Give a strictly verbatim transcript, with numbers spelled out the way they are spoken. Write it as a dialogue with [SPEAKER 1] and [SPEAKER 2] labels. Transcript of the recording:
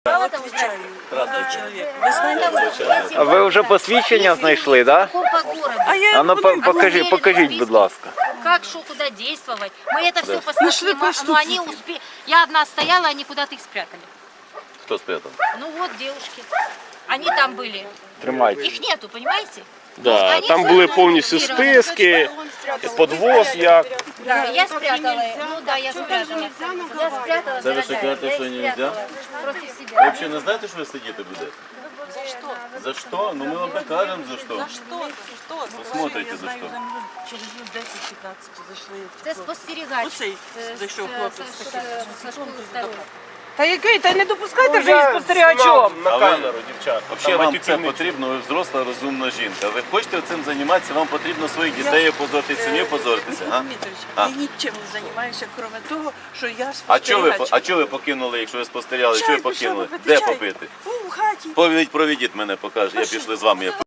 [SPEAKER 1] А ви вже посвідчення знайшли, так?
[SPEAKER 2] По городу.
[SPEAKER 3] А я
[SPEAKER 1] А ну по- покажи,
[SPEAKER 2] Посмотрели
[SPEAKER 1] покажіть,
[SPEAKER 2] на
[SPEAKER 1] будь ласка.
[SPEAKER 2] Как, что, куда действовать. Мы это все
[SPEAKER 3] Нашли
[SPEAKER 2] посмотрели, но
[SPEAKER 3] преступники.
[SPEAKER 2] они успели. Я одна стояла, они куда-то их спрятали.
[SPEAKER 4] Хто спрятав?
[SPEAKER 2] Ну вот девушки. Они там были.
[SPEAKER 1] Тримайте.
[SPEAKER 2] Их нету, понимаете?
[SPEAKER 5] Да,
[SPEAKER 2] Они
[SPEAKER 5] там
[SPEAKER 2] все
[SPEAKER 5] були
[SPEAKER 2] равно
[SPEAKER 5] повністю
[SPEAKER 2] зафиксированы.
[SPEAKER 5] списки, подвоз як.
[SPEAKER 2] Да, я спрятала. Ну да, я спрятала. Я спрятала,
[SPEAKER 4] Це ви
[SPEAKER 2] дорогая,
[SPEAKER 4] ще кажете,
[SPEAKER 2] я
[SPEAKER 4] що
[SPEAKER 2] их
[SPEAKER 4] нельзя?
[SPEAKER 2] спрятала против
[SPEAKER 4] Ви
[SPEAKER 2] себя.
[SPEAKER 4] взагалі не знаєте, що ви сидіти будете? За що? За що? Ну ми вам покажемо за що.
[SPEAKER 3] За що? За що?
[SPEAKER 4] Посмотрите, за що.
[SPEAKER 3] Через десять-п'ятнадцять зайшли.
[SPEAKER 2] Це спостерігач.
[SPEAKER 3] Оцей
[SPEAKER 2] Е,
[SPEAKER 3] зайшов
[SPEAKER 2] з-
[SPEAKER 3] хлопець
[SPEAKER 2] з-
[SPEAKER 3] такий.
[SPEAKER 2] з- Со школи второї.
[SPEAKER 6] Та який? Та не допускайте вже із спостерігачом.
[SPEAKER 5] На
[SPEAKER 4] А ви-
[SPEAKER 5] камеру, дівчата.
[SPEAKER 4] Взагалі вам це потрібно, ви взросла, розумна жінка. Ви хочете цим займатися, вам потрібно своїх дітей опозорити, сім'ю позоритися.
[SPEAKER 3] Михайло
[SPEAKER 4] А?
[SPEAKER 3] Дмитрович,
[SPEAKER 4] А?
[SPEAKER 3] я нічим не займаюся, крім того, що я
[SPEAKER 4] А чого ви,
[SPEAKER 3] спостерігач.
[SPEAKER 4] а чого ви покинули, якщо ви спостерігали?
[SPEAKER 3] Чай
[SPEAKER 4] Чого ви
[SPEAKER 3] пішов
[SPEAKER 4] покинули?
[SPEAKER 3] попити,
[SPEAKER 4] Де
[SPEAKER 3] чай.
[SPEAKER 4] попити?
[SPEAKER 3] У, в хаті.
[SPEAKER 4] Повідь, проведіть мене, покажете. Я пішли з вами. Я